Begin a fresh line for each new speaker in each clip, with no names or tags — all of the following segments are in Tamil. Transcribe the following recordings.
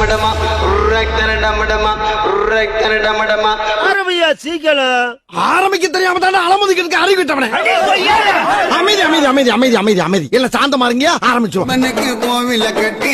ஆரம்பியா சீக்கிரம்.
ஆரம்பிக்க தெரியாம தானே அலமுதிக்கிறதுக்கு அறிவு விட்டவனே. அமைதி அமைதி அமைதி அமைதி அமைதி அமைதி இல்ல சாந்தமா இருங்க. ஆரம்பிச்சோம்.
கோவில கட்டி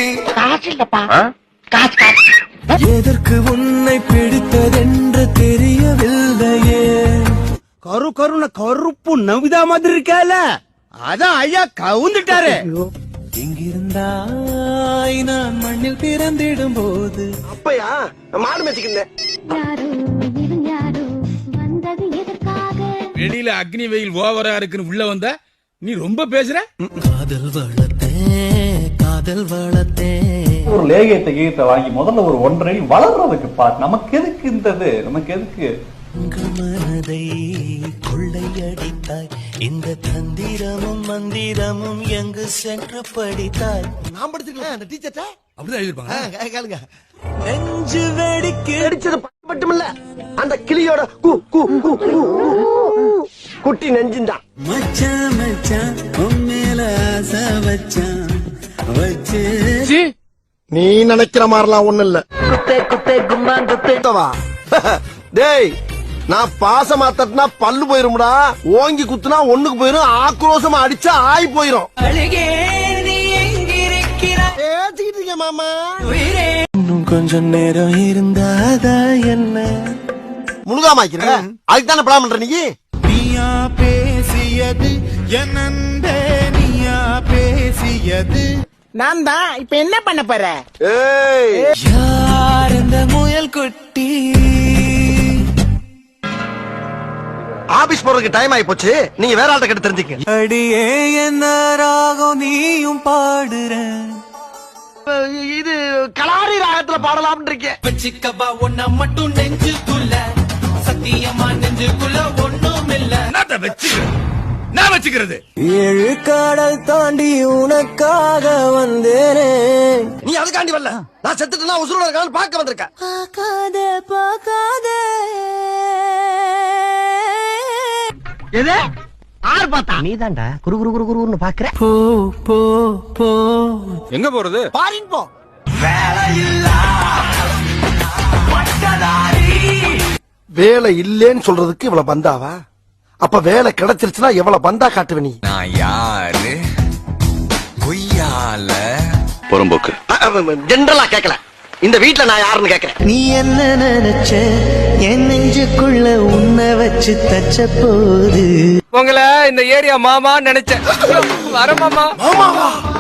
எதற்கு உன்னை பிடித்ததென்று தெரியவில்லையே.
கரு கருன கருப்பு நவிதா மாதிரி இருக்கால, அதான் ஐயா கவுந்துட்டாரு.
எங்கிருந்தாய் நான் மண்ணில் பிறந்திடும் போது.
அப்பயா மாடு மேய்ச்சிக்கிட்டேன்.
வெளியில அக்னி வெயில் ஓவரா இருக்குன்னு உள்ள வந்தா நீ ரொம்ப பேசுற.
காதல் வளர்த்தேன் காதல் வளர்த்தேன்.
ஒரு லேகியத்தை கீதத்தை வாங்கி முதல்ல ஒரு 1.5 அடி வளர்றதுக்கு பார். நமக்கு எதுக்கு இருந்தது, நமக்கு எதுக்கு
மனதை கொள்ளையடித்தாய். இந்த தந்திரமும் மந்திரமும் எங்கு சென்று படித்தாய்.
நான் படிச்சிருக்கேன் அந்த டீச்சர்ட்ட.
அப்படிதான் எழுதிருப்பாங்க.
கேளுங்க.
நெஞ்சு வெடிக்கு
அடிச்சது மட்டுமில்ல, அந்த கிளியோட குட்டி நெஞ்சுதான்.
மச்சான் மச்சான் உன் மேல ஆசை வச்சான் வச்சு.
நீ நினைக்கிற மாதிரிலாம் ஒண்ணு இல்ல.
குத்தே குத்தே கும்மா குத்தேவா.
டேய், நான் பாசமா தட்டினா பல்லு போயிரும்டா. ஓங்கி குத்துனா ஒண்ணுக்கு போயிரும். ஆக்ரோஷமா அடிச்சா ஆய் போயிரும். பேசிக்கிட்டு மாமா.
இன்னும் கொஞ்சம் நேரம் இருந்தாதா என்ன.
முழுகாமாக்கிறேன். அதுக்கு தானே பிளான் பண்ற நீ.
நீயா பேசியது என் அன்பே, நீயா பேசியது.
நான் தான் இப்ப என்ன பண்ண போற?
ஏய்,
யார் இந்த முயல் குட்டி.
ஆபீஸ் போறதுக்கு டைம் ஆயி போச்சு. நீங்க வேற ஆள்கிட்ட கிட்ட தெரிஞ்சுக்க.
அடியே என்ன ராகம் நீயும் பாடுற.
இது கலாரி ராகத்துல பாடலாம்னு இருக்கேன்.
வச்சிக்கபா ஒன்ன மட்டும் நெஞ்சுக்குள்ள, சத்தியமா நெஞ்சுக்குள்ள ஒண்ணும் இல்ல.
நான் வச்சுக்கிறது.
7 கடல் தாண்டி உனக்காக வந்தேனே.
நீ அதுக்காண்டி வரல. நான் செத்துட்டேன்னா உசுரோட இருக்கான்னு பார்க்க வந்திருக்க.
பார்க்காத பார்க்காத.
எது? ஆறு பார்த்தா நீ தான்டா குரு குரு குரு குருன்னு பாக்குற.
போ போ போ.
எங்க போறது?
பாரின் போ. வேலை இல்லேன்னு சொல்றதுக்கு இவ்வளவு பந்தாவா? அப்ப வேலை கிடைச்சிருச்சுன்னா எவ்வளவு பந்தா காட்டுவ நீ?
நான் யாரு பொய்யால
புறம்போக்கு. ஜெனரலா கேட்கல. இந்த வீட்டுல நான் யாருன்னு கேட்கிறேன்.
நீ என்ன நினைச்ச என் நெஞ்சுக்குள்ள உன்னை வச்சு தச்ச போது.
உங்களை இந்த ஏரியா மாமா நினைச்சேன். வர மாமா.
மாமாவா?